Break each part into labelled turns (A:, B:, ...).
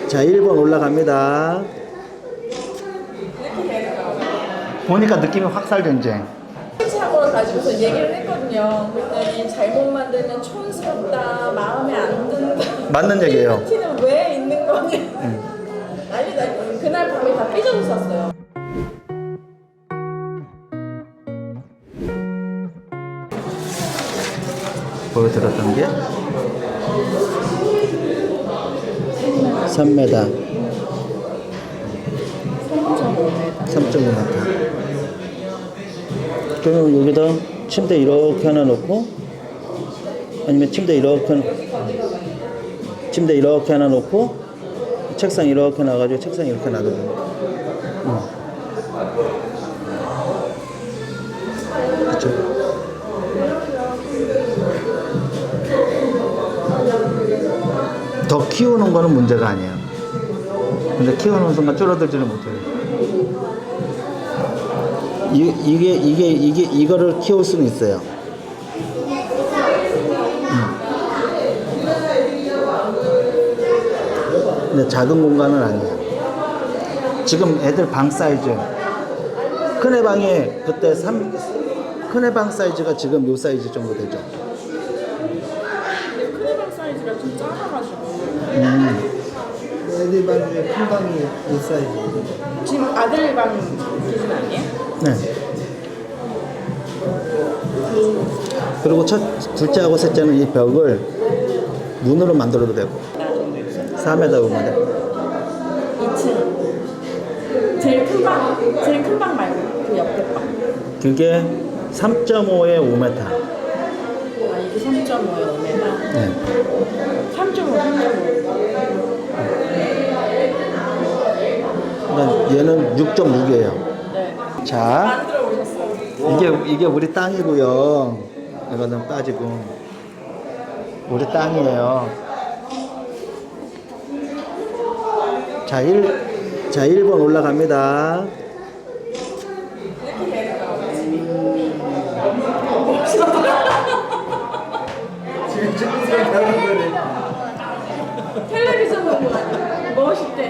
A: 자, 1번 올라갑니다. 보니까 느낌이 확살 전쟁.
B: 사고를 가지고서 얘기를 했거든요. 그랬더니 잘못 만들면 촌스럽다, 마음에 안 든다.
A: 맞는 얘기예요.
B: 티는 왜 있는 거냐. 난리다. 그날 밤에 다 삐져서 샀어요.
A: 보여드렸던 게 3m 3.5m. 그러면 여기다 침대 이렇게 하나 놓고, 아니면 침대 이렇게 하나 놓고 책상 이렇게 놔가지고 책상 이렇게 놔둬도 돼. 그쵸? 더 키우는 거는 문제가 아니에요. 근데 키우는 순간 줄어들지는 못해요. 이거를 키울 수는 있어요. 근데 작은 공간은 아니에요. 지금 애들 방 사이즈, 큰애 방에 그때 큰애 방 사이즈가 지금 요 사이즈 정도 되죠.
B: 근데 큰애방 사이즈가 좀 작아가지고.
C: 애들 방 중에 큰 방이 이 사이즈.
B: 지금 아들 방 기준 아니에요?
A: 네. 그리고 둘째하고 셋째는 이 벽을 문으로 만들어도 되고. 4m 오면 돼.
B: 2층. 제일 큰 방 말고 그 옆에 방.
A: 그게 3.5에 5m.
B: 아, 이게 3.5에 5m?
A: 네.
B: 3.5.
A: 그러니까 얘는 6.6이에요.
B: 네.
A: 자,
B: 만들어 오셨어요.
A: 이게 우리 땅이고요. 이거는 빠지고. 우리 땅이에요. 자, 1번 올라갑니다.
C: 지금 찍는 사람 다른 거네.
B: 텔레비전 보고 멋있대.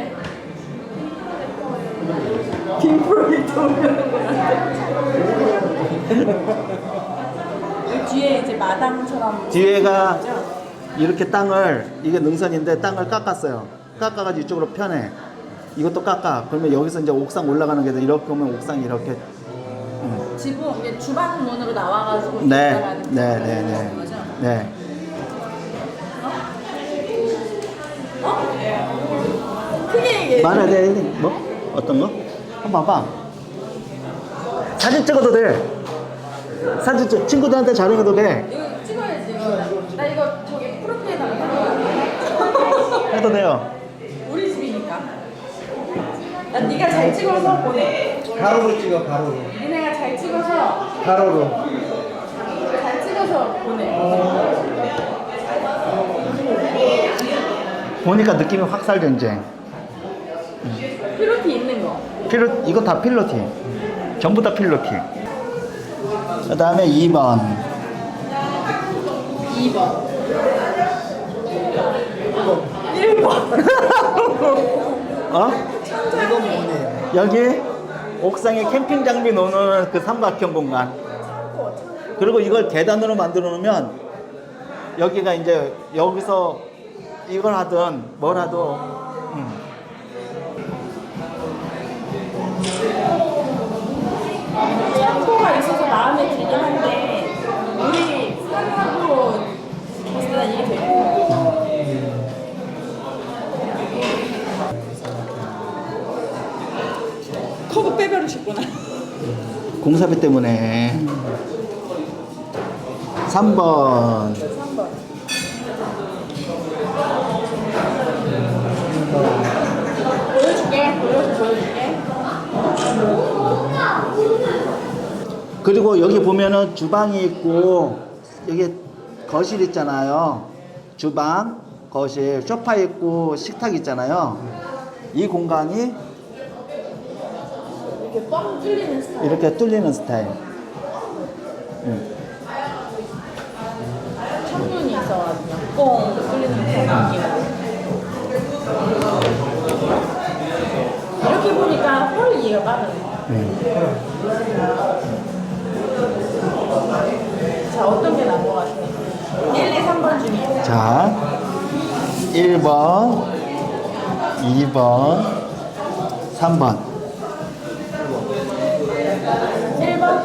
B: 빔프로젝터 오는 뒤에 이제 마당처럼
A: 뒤에가 이렇게 이게 능선인데 땅을 깎았어요. 깎아가지고 이쪽으로 편해. 이것도 깎아. 그러면 여기서 이제 옥상 올라가는 게 돼. 이렇게 오면 옥상이 이렇게.
B: 지붕 이게 주방 문으로 나와가지고
A: 네,
B: 올라가는
A: 네.
B: 거죠?
A: 네.
B: 크게 얘기해.
A: 말해야 돼. 뭐? 어떤 거? 한번 봐봐. 사진 찍어도 돼. 친구들한테 자랑해도 돼.
B: 이거 찍어야지. 나 이거 저기 프로필에다가
A: 해도 돼요.
B: 우리 집이니까. 난 네가 잘 찍어서 보내.
C: 가로로 찍어, 가로로.
B: 니네가 잘 찍어서
C: 가로로.
B: 보내.
A: 보니까 느낌이 확살 전쟁.
B: 필로티 있는 거.
A: 이거 다 필로티. 전부 다 필로티. 그 다음에 2번.
B: 2번. 1번.
A: 어?
C: 이건 뭐네요?
A: 여기 옥상에 캠핑 장비 놓는 그 삼각형 공간. 그리고 이걸 계단으로 만들어 놓으면 여기가 이제 여기서 이걸 하든 뭘 하든.
B: 양보가 있어서 마음에 들긴 한데 우리 사람하고 봤을 때 이게 되게 커브 빼버리셨구나.
A: 공사비 때문에. 3번.
B: 3번. 보여줄게.
A: 그리고 여기 보면은 주방이 있고 여기 거실 있잖아요. 주방, 거실, 소파 있고 식탁 있잖아요. 이 공간이
B: 이렇게 뻥 뚫리는 스타일.
A: 이렇게 뚫리는 스타일.
B: 창문이 있어가지고 뻥 뚫리는 그런 느낌. 받는 자, 어떤 게 나은 것 같아요? 1, 2, 3번 중에.
A: 자, 1번, 2번, 3번.
B: 1번?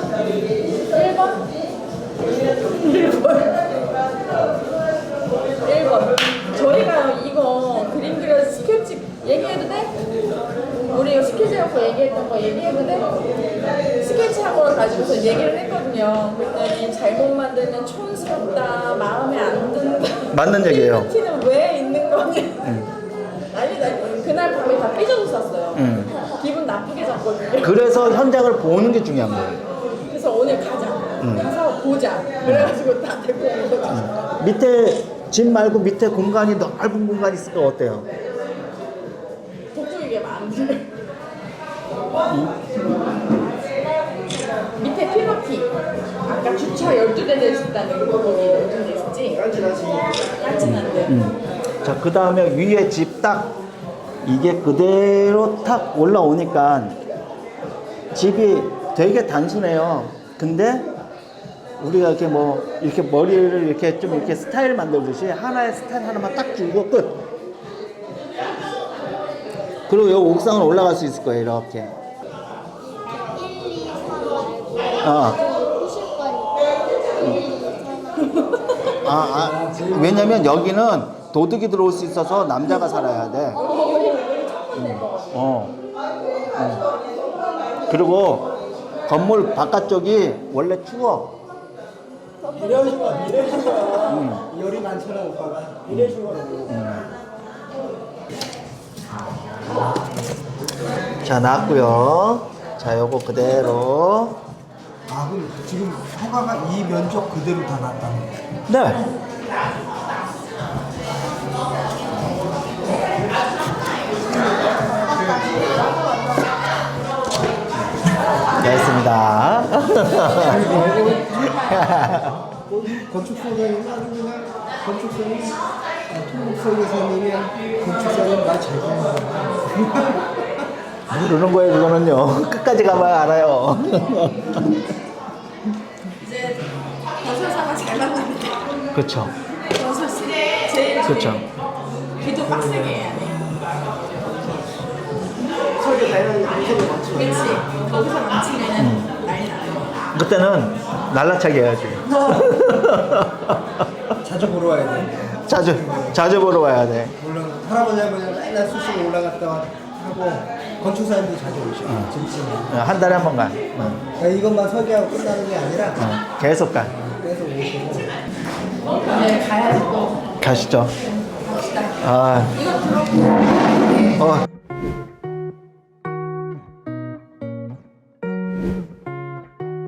B: 1번. 저희가 이거 그림 그려 스케치 얘기해도 돼? 우리 이거 스케치 갖고 얘기했던 거 얘기해도 돼? 스케치 학원을 가지고서 얘기를 했거든요. 그랬더니 잘못 만들면 촌스럽다, 마음에 안 든다.
A: 맞는 얘기예요.
B: 티는 왜 있는 거니? 아니다. 그날 밤에 다 삐져서 쌌어요. 기분 나쁘게 잤거든요.
A: 그래서 현장을 보는 게 중요한 거예요.
B: 그래서 오늘 가자. 가서 보자. 그래가지고 다 데리고 온 거죠.
A: 밑에 집 말고 밑에 공간이 넓은 공간이 있을까 어때요?
B: 독주이게 많은데. 밑에 피노키. 아까 주차 12대 될 수 있다는 거 거기 12대 있었지? 깐진한데.
A: 자, 그 다음에 위에 집 딱 이게 그대로 탁 올라오니까 집이 되게 단순해요. 근데 우리가 이렇게 뭐 이렇게 머리를 이렇게 좀 이렇게 스타일 만들듯이 하나의 스타일 하나만 딱 주고 끝. 그리고 이 옥상을 올라갈 수 있을 거예요. 이렇게.
D: 1, 2, 3
A: 어.
D: 후실거리 1, 2, 3
A: 왜냐면 여기는 도둑이 들어올 수 있어서 남자가 살아야 돼. 그리고 건물 바깥쪽이 원래 추워.
C: 이래주가 열이 많잖아 오빠가. 이래주가.
A: 자, 나왔고요. 자, 요거 그대로.
C: 아 그럼 지금 허가가 이 면적 그대로 다 났다는 거야.
A: 네. 됐습니다.
C: 건축소장님 아주 그냥 건축소님 토목소유사님이 건축사님 말 잘 듣는 거야.
A: 모르는 거예요, 그거는요. 끝까지 가봐야 알아요.
B: 이제 건설사가 잘 만나는데.
A: 그렇죠.
B: 건설사 제일
A: 그렇죠.
B: 기도 빡세게 해야 돼.
C: 설계 잘하는 인생을 맞추고.
B: 그렇지. 거기서 망치면은 난리 나요.
A: 그때는 날라차게 해야지.
C: 자주 보러 와야 돼.
A: 자주 보러 와야 돼.
C: 물론 할아버지 할머니가 맨날 수시로 올라갔다 하고 건축사님도 자주 오셔. 짐치는.
A: 한 달에 한 번 가.
C: 그러니까 이것만 설계하고 끝나는 게 아니라
A: 계속 가.
C: 계속 오시고.
B: 네, 가야지 또.
A: 가시죠.
B: 갑시다.
A: 아,
B: 이거 들어.